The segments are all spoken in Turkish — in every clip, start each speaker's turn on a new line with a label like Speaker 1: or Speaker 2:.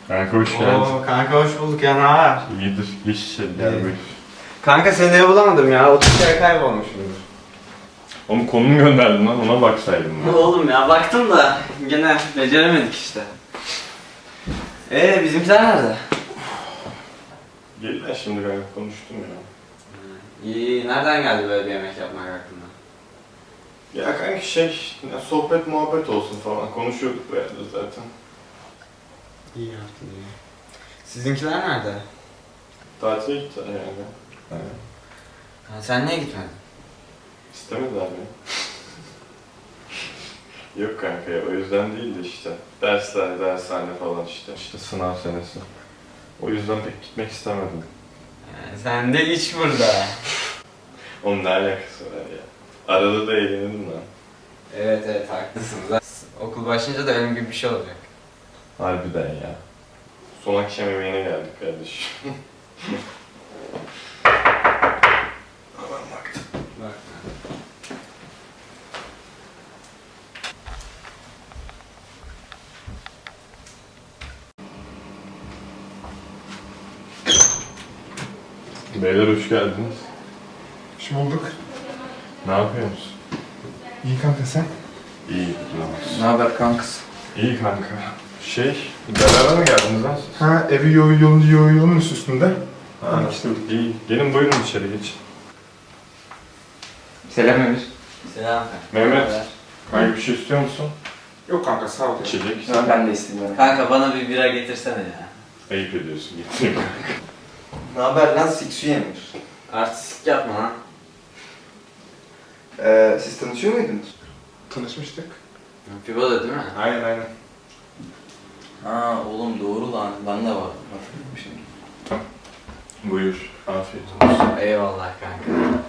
Speaker 1: Kanka hoş geldin.
Speaker 2: Oo, kanka hoş bulduk ya, ne haber?
Speaker 1: İyidir. Geç içeri gel buyur.
Speaker 2: Kanka seni ev bulamadım ya, 30 kere kaybolmuşumdur.
Speaker 1: Oğlum konum gönderdin lan, ona baksaydım ben.
Speaker 2: Oğlum ya baktım da gene beceremedik işte. Bizimkiler nerede?
Speaker 1: Geldiler şimdi kanka, konuştum ya.
Speaker 2: İyi, nereden geldi böyle bir yemek yapmak aklına?
Speaker 1: Ya kanka sohbet muhabbet olsun falan, konuşuyorduk böyle zaten.
Speaker 2: İyi yaptın iyi. Sizinkiler nerede?
Speaker 1: Tatile gittiler yani. Evet.
Speaker 2: Ha, sen niye gitmedin?
Speaker 1: İstemediler beni. Yok kanka ya, o yüzden değil de işte. Dersler, dershane falan işte. İşte sınav senesi. O yüzden pek gitmek istemedim.
Speaker 2: Sen de iç burada.
Speaker 1: Onun ne alakası var ya? Arada da eğlenirdim lan.
Speaker 2: Evet haklısınız. Okul başlayınca da benim gibi bir şey olacak.
Speaker 1: Harbiden ya. Son akşam yemeğine geldik kardeşim. Aman baktım.
Speaker 2: Bak.
Speaker 1: Beyler hoş geldiniz.
Speaker 3: Hoş bulduk.
Speaker 1: Ne yapıyorsunuz?
Speaker 3: İyi kanka sen?
Speaker 1: İyi,
Speaker 2: Ne haber kankız?
Speaker 1: İyi kanka. Beraber mi geldiniz lan siz?
Speaker 3: Ha evi yolun üstünde.
Speaker 1: Ha, işte iyi. Gelin buyurun içeri geç.
Speaker 2: Selam Emir. Selam.
Speaker 1: Mehmet, kanka bir şey istiyor musun?
Speaker 3: Yok kanka sağ ol.
Speaker 1: İçecek.
Speaker 4: Ben de istemiyorum.
Speaker 2: Kanka bana bir bira getirsene ya.
Speaker 1: Ayıp ediyorsun, getireyim kanka.
Speaker 4: Ne haber lan Siksu Emir?
Speaker 2: Artistik yapma lan.
Speaker 4: Siz tanışıyor muydunuz?
Speaker 3: Tanışmıştık.
Speaker 2: Pivoda değil mi?
Speaker 3: Aynen.
Speaker 4: Ha oğlum doğru lan. Ben de var. Hatırladım şimdi.
Speaker 1: Buyur, afiyet olsun.
Speaker 2: Eyvallah kanka.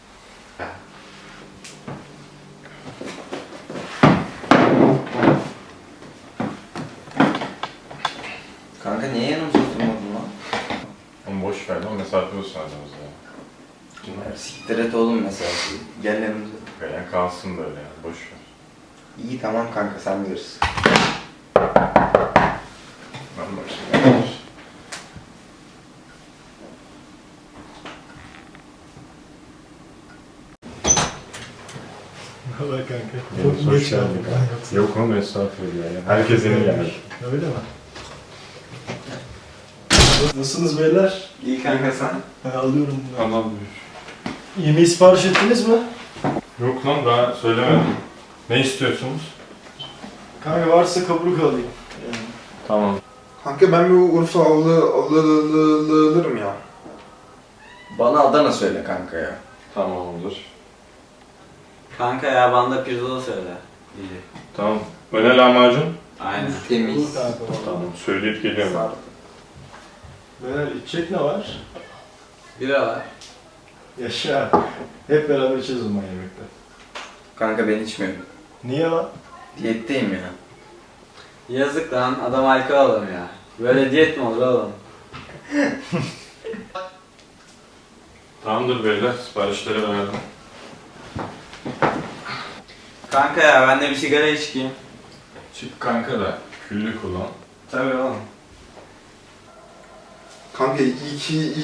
Speaker 4: Kanka niye yanımıza oturmadın lan?
Speaker 1: Oğlum boş ver lan, mesafe olsun aramızda ya.
Speaker 4: Siktir et oğlum mesela. Gel yanımıza.
Speaker 1: Yani kalsın böyle ya, boş ver.
Speaker 4: İyi tamam kanka sen bilirsin.
Speaker 1: Ben başlayayım.
Speaker 3: Merhaba kanka.
Speaker 1: Çok hoş geldin kanka. Yok oğlum, estağfurullah ya. Herkes yeni geldi.
Speaker 3: Öyle mi? Nasılsınız beyler?
Speaker 2: İyi kanka sen?
Speaker 3: Ben alıyorum bunu.
Speaker 1: Tamam buyur.
Speaker 3: Yemeği sipariş ettiniz mi?
Speaker 1: Yok lan, daha söylemedim. Ne istiyorsunuz?
Speaker 3: Kanka varsa kaburuk alayım. Yani.
Speaker 1: Tamam.
Speaker 3: Kanka ben bir Urfa alırım ya.
Speaker 4: Bana Adana söyle kanka ya.
Speaker 1: Tamam olur.
Speaker 2: Kanka ya bana da pirzola söyle. İyi.
Speaker 1: Tamam. Öne lahmacun.
Speaker 2: Aynen.
Speaker 4: Temiz.
Speaker 3: Olur kanka valla.
Speaker 1: Tamam. Söyleyip geliyorum.
Speaker 3: Beyler içecek ne var?
Speaker 2: Bira var.
Speaker 3: Yaşa. Hep beraber içeceğiz o zaman yemekte.
Speaker 4: Kanka ben içmiyorum.
Speaker 3: Niye lan?
Speaker 4: Diyetteyim ya.
Speaker 2: Yazık lan, adam alkol alamıyor ya. Böyle diyet mi olur oğlum?
Speaker 1: Tamamdır beyler. Siparişleri verdim.
Speaker 2: Kanka ya ben de bir sigara içeyim.
Speaker 1: Çık kanka da küllü kullan.
Speaker 2: Tabii oğlum.
Speaker 3: Kanka iyi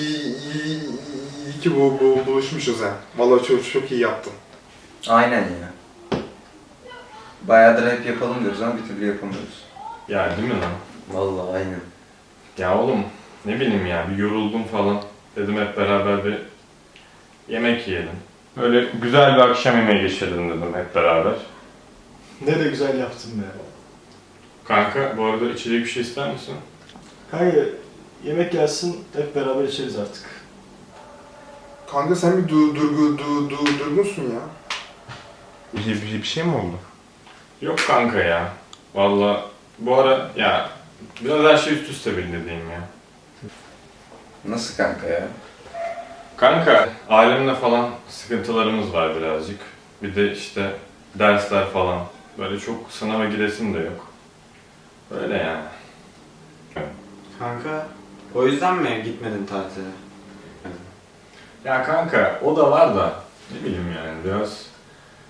Speaker 3: ki buluşmuşuz ha. Vallahi çok iyi yaptın.
Speaker 4: Aynen ya. Bayağıdır hep yapalım diyoruz ama bir türlü yapamıyoruz.
Speaker 1: Ya değil mi lan?
Speaker 4: Vallahi aynen.
Speaker 1: Ya oğlum ne bileyim ya, bir yoruldum falan. Dedim hep beraber bir yemek yiyelim. Böyle güzel bir akşam yemeği geçirelim dedim hep beraber.
Speaker 3: Ne de güzel yaptın be.
Speaker 1: Kanka bu arada içecek bir şey ister misin?
Speaker 3: Kanka yemek gelsin hep beraber içeriz artık.
Speaker 5: Kanka sen bir durgunsun ya.
Speaker 1: Bir şey mi oldu? Yok kanka ya. Vallahi bu ara ya biraz her şey üst üste bindi diyeyim ya.
Speaker 4: Nasıl kanka ya?
Speaker 1: Kanka ailemle falan sıkıntılarımız var birazcık. Bir de işte dersler falan. Böyle çok sınava giresim de yok. Öyle yani.
Speaker 2: Kanka o yüzden mi gitmedin tatile?
Speaker 1: Ya kanka o da var da ne bileyim yani biraz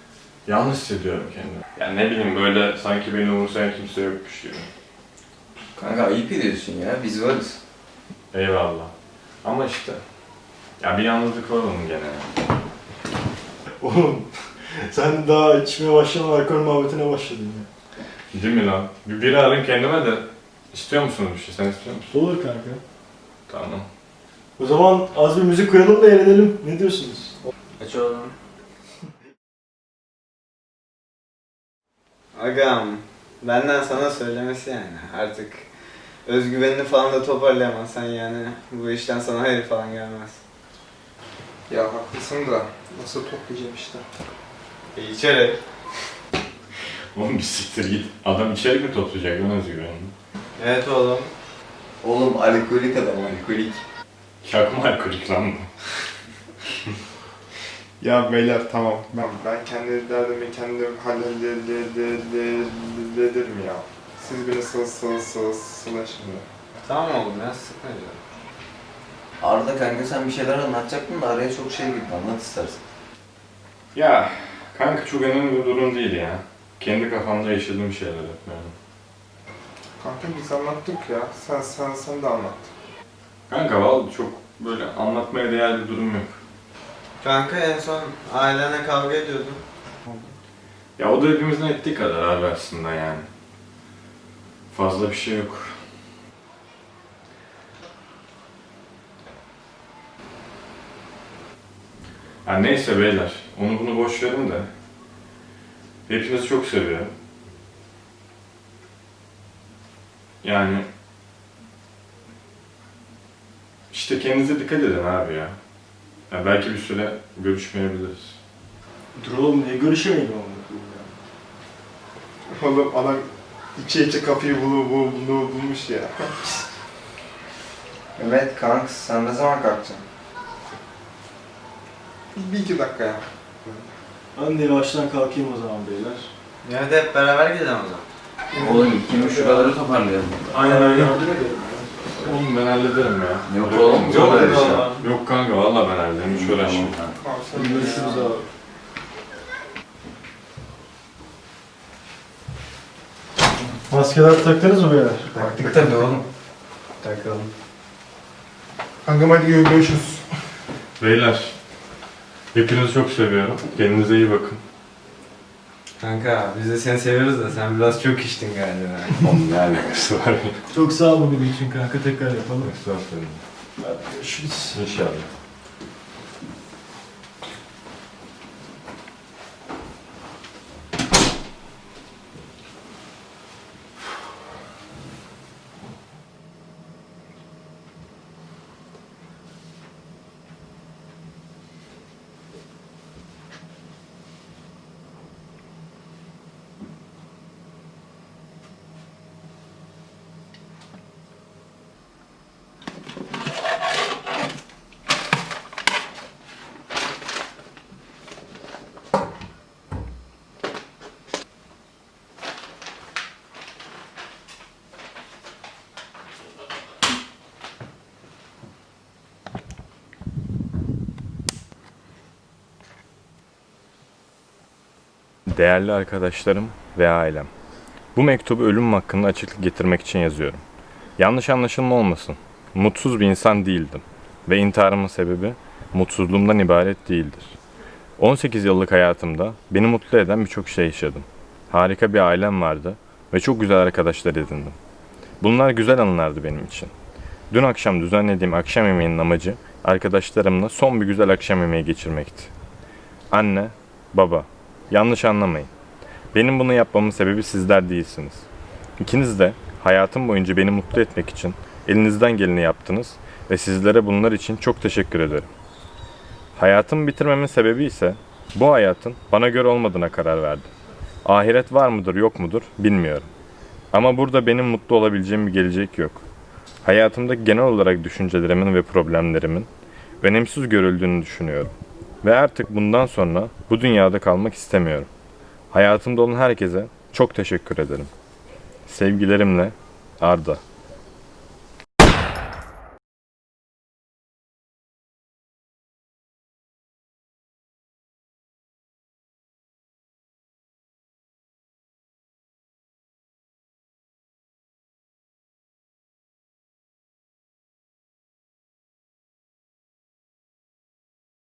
Speaker 1: yanlış hissediyorum kendimi. Yani ne bileyim böyle sanki beni umursayan kimse yokmuş gibi.
Speaker 4: Kanka ayıp ediyorsun ya, biz varız.
Speaker 1: Eyvallah. Ama işte ya bir yalnızlık var onun gene.
Speaker 3: Oğlum sen daha içmeye başlamadan alkol muhabbetine başladın ya.
Speaker 1: Değil mi lan? Bir biri arayın kendime de. İstiyor musunuz bir şey? Sen istiyor musun?
Speaker 3: Olur kanka.
Speaker 1: Tamam.
Speaker 3: O zaman az bir müzik koyalım da eğlenelim. Ne diyorsunuz?
Speaker 2: Aç oğlum. Agam, benden sana söylemesi yani. Artık özgüvenini falan da toparlayamazsan yani bu işten sana hayır falan gelmez.
Speaker 5: Ya haklısın da nasıl toplayacağım işte.
Speaker 2: İçeri.
Speaker 1: Oğlum bir siktir git. Adam içerik mi toplayacak lan özgüvenini?
Speaker 2: Evet oğlum.
Speaker 4: Oğlum alkolik adam, alkolik.
Speaker 1: Çakma alkolik lan bu.
Speaker 5: Ya beyler tamam. Ben kendi derdimi kendim hallederim ya. Siz beni sıla şimdi.
Speaker 2: Tamam oğlum ya sıkma canım.
Speaker 4: Arda kanka sen bir şeyler anlatacaktın da araya çok şey girdi, anlat istersen.
Speaker 1: Ya kanka çok önemli bir durum değil ya. Kendi kafamda yaşadığım şeyler hep yani.
Speaker 5: Kanka biz anlattık ya. Sen de anlat.
Speaker 1: Kanka vallahi çok böyle anlatmaya değer bir durum yok.
Speaker 2: Kanka en son ailene kavga ediyordun.
Speaker 1: Ya o da hepimizin ettiği kadar abi aslında yani. Fazla bir şey yok. Ya neyse beyler, onu bunu boş verin de. Hepinizi çok seviyorum. Yani işte kendinize dikkat edin abi ya. Ya belki bir süre görüşmeyebiliriz.
Speaker 3: Dur oğlum niye görüşemeyelim ama?
Speaker 5: Oğlum adam içe kafayı bulmuş ya.
Speaker 4: Evet kanka sen ne zaman kalkacaksın?
Speaker 5: Bir iki dakika ya.
Speaker 3: Ben de yavaştan kalkayım o zaman beyler.
Speaker 2: Ya hadi hep beraber gidelim o zaman.
Speaker 4: Oğlum ikimiz şuraları toparlayalım.
Speaker 1: Aynen öyle.
Speaker 3: Yardım edelim ya.
Speaker 1: Oğlum ben hallederim ya.
Speaker 4: Yok oğlum,
Speaker 3: Yok
Speaker 4: öyle bir şey.
Speaker 3: eyvallah.
Speaker 1: Yok kanka vallahi ben hallederim, hiç uğraşma.
Speaker 5: Tamam, sen
Speaker 3: Hadi görüşürüz abi. Maskeler taktınız mı beyler?
Speaker 4: Taktık tabii oğlum.
Speaker 2: Takalım.
Speaker 5: Kankam hadi görüşürüz.
Speaker 1: Beyler, hepinizi çok seviyorum. Kendinize iyi bakın.
Speaker 2: Kanka biz de seni seviyoruz da sen biraz çok içtin galiba.
Speaker 1: Oğlum ne alakası var?
Speaker 3: Çok sağ ol bugün için kanka, tekrar yapalım.
Speaker 1: Estağfurullah.
Speaker 3: Hadi görüşürüz.
Speaker 1: İnşallah. Değerli arkadaşlarım ve ailem. Bu mektubu ölümüm hakkında açıklık getirmek için yazıyorum. Yanlış anlaşılma olmasın. Mutsuz bir insan değildim. Ve intiharımın sebebi mutsuzluğumdan ibaret değildir. 18 yıllık hayatımda beni mutlu eden birçok şey yaşadım. Harika bir ailem vardı ve çok güzel arkadaşlar edindim. Bunlar güzel anılardı benim için. Dün akşam düzenlediğim akşam yemeğinin amacı arkadaşlarımla son bir güzel akşam yemeği geçirmekti. Anne, baba, yanlış anlamayın. Benim bunu yapmamın sebebi sizler değilsiniz. İkiniz de hayatım boyunca beni mutlu etmek için elinizden geleni yaptınız ve sizlere bunlar için çok teşekkür ederim. Hayatımı bitirmemin sebebi ise bu hayatın bana göre olmadığına karar verdim. Ahiret var mıdır yok mudur bilmiyorum. Ama burada benim mutlu olabileceğim bir gelecek yok. Hayatımda genel olarak düşüncelerimin ve problemlerimin önemsiz görüldüğünü düşünüyorum. Ve artık bundan sonra bu dünyada kalmak istemiyorum. Hayatımda olan herkese çok teşekkür ederim. Sevgilerimle Arda.